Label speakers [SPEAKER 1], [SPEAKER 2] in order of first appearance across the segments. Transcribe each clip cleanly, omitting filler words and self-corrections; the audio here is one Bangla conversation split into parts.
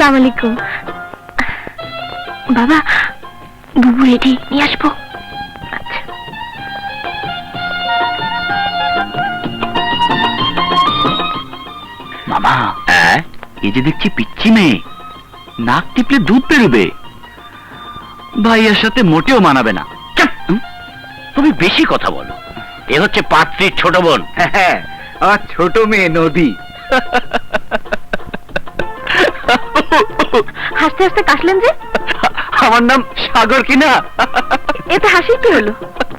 [SPEAKER 1] আসসালামু আলাইকুম। বাবা, বুবু রেডি, নিয়ে আসবো। আচ্ছা।
[SPEAKER 2] মামা, এই যে দেখছি পিচ্ছি মেয়ে, নাক টিপলে দুধ বেরোবে। ভাইয়ের সাথে মোটেও মানাবে না। তুমি বেশি কথা বলো। এ হচ্ছে পাত্রীর ছোট বোন।
[SPEAKER 3] হ্যাঁ, আমার ছোট মেয়ে নদী।
[SPEAKER 1] হাসতে হাসতে কাশলেন যে?
[SPEAKER 2] আমার নাম সাগর কিনা?
[SPEAKER 1] এতে হাসি কি হলো?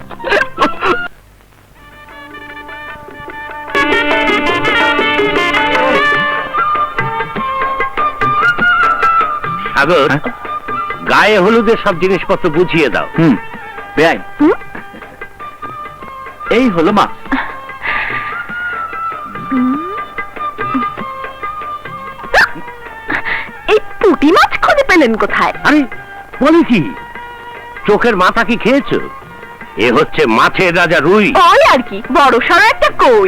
[SPEAKER 2] সাগর, গায়ে হলুদের সব জিনিসপত্র বুঝিয়ে দাও।
[SPEAKER 3] বেআইন, এই হলো মা।
[SPEAKER 1] এই পুঁটি মাছ খুঁজে পেলেন কোথায়?
[SPEAKER 2] আরে বলি কি, চোখের মাথা কি খেয়েছো? এ হচ্ছে মাছের রাজা রুই।
[SPEAKER 1] ওই আর কি, বড় সড়ো একটা কই।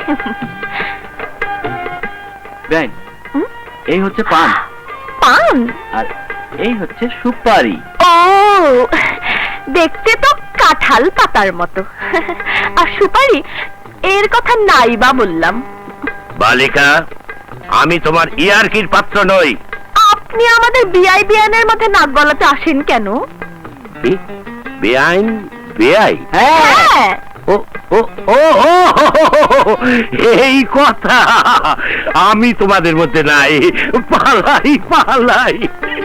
[SPEAKER 3] বেআইন, এই হচ্ছে পান,
[SPEAKER 1] পান?
[SPEAKER 3] আর এই হচ্ছে সুপারি।
[SPEAKER 1] ও, দেখতে তো কাঁঠাল পাতার মতো। আর সুপারি, এর কথা নাই বা বললাম।
[SPEAKER 2] বালিকা, আমি তোমার ইয়ারকির পাত্র নই।
[SPEAKER 1] আপনি আমাদের বিআই বিয়ানের মধ্যে নাক গলাতে আসেন কেন?
[SPEAKER 2] বেআইন? বেআই?
[SPEAKER 1] হ্যাঁ।
[SPEAKER 2] ও ও ও ও, এই কথা। আমি তোমাদের মধ্যে নাই। পালাই পালাই।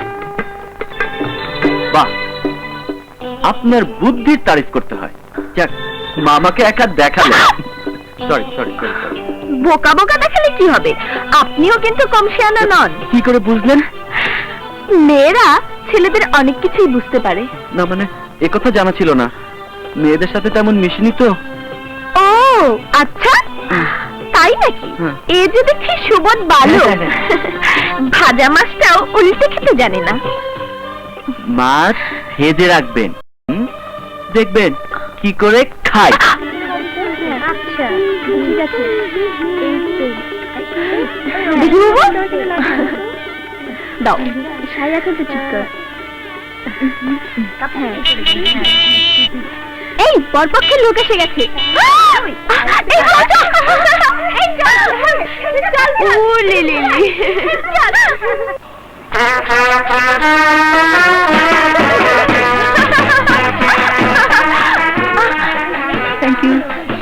[SPEAKER 3] বাহ, আপনার বুদ্ধির তারিফ করতে হয়। যাক, মামাকে একা দেখালো। Sorry sorry sorry sorry.
[SPEAKER 1] বোকা বোকা দেখালে কি হবে? আপনিও কিন্তু কম শিয়ানা নন।
[SPEAKER 3] কি করে বুঝলেন?
[SPEAKER 1] মেয়েরা ছেলেদের অনেক কিছুই বুঝতে পারে।
[SPEAKER 3] না মানে, একথা জানা ছিল না। মেয়েদের সাথে তেমন মিশিনি তো।
[SPEAKER 1] ও আচ্ছা, তাই নাকি?
[SPEAKER 3] হ্যাঁ।
[SPEAKER 1] এ যে দেখছি সুবোধ বালক। ভাজা মাছটাও উল্টে খেতে জানে না।
[SPEAKER 3] মাছ ভেজে রাখবেন, দেখবেন কি করে খায়।
[SPEAKER 1] আচ্ছা, ঠিক আছে। দেখি বাবু, দাও। সাই এখন তো ঠিক কর। এই বরপক্ষের লোক এসে গেছে। ও লে লে লে।
[SPEAKER 3] Thank you.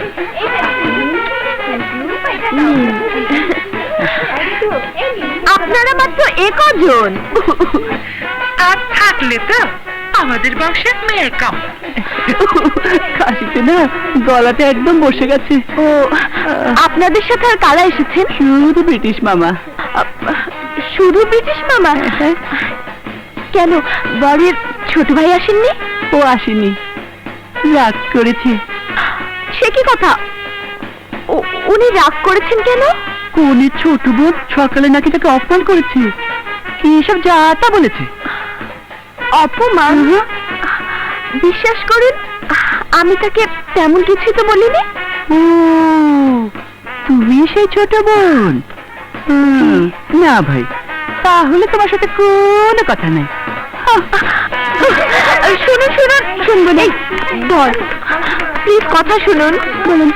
[SPEAKER 1] আপনারা মাত্র একজন।
[SPEAKER 4] আর থাকলে তো আমাদের বংশের মেয়ের কাম।
[SPEAKER 3] কাশিতে না গলাটা একদম বসে গেছে।
[SPEAKER 1] ও, আপনাদের সাথে আর কারা এসেছেন?
[SPEAKER 3] শুধু ব্রিটিশ মামা।
[SPEAKER 1] শুধু ব্রিটিশ মামা? কেন, বরের ছোট ভাই আসেননি?
[SPEAKER 3] ও আসেনি, রাগ করেছে।
[SPEAKER 1] সে কি কথা? উনি রাগ করেছেন কেন?
[SPEAKER 3] কোনের ছোট বোন সকালে নাকি তাকে অপমান করেছে। কি সব যা তা বলেছে।
[SPEAKER 1] অপমান? বিশ্বাস করুন, আমি তাকে তেমন কিছু তো বলিনি।
[SPEAKER 3] ও, তুমি সেই ছোট বোন? না ভাই, তাহলে তোমার সাথে কোনো কথা নাই।
[SPEAKER 1] শুনুন শুনুন, শুনবো না। ধর, প্লিজ কথা শুনুন। বলুন।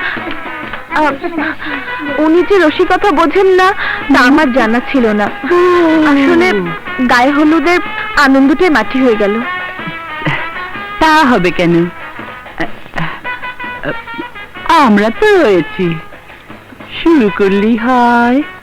[SPEAKER 1] উনি যে রসিকতা বোঝেন না তা আমার জানা ছিল না। আসলে গায়ে হলুদের আনন্দটাই মাটি হয়ে গেল।
[SPEAKER 3] তা হবে কেন? আমরা তো রয়েছি, শুরু করলেই হয়।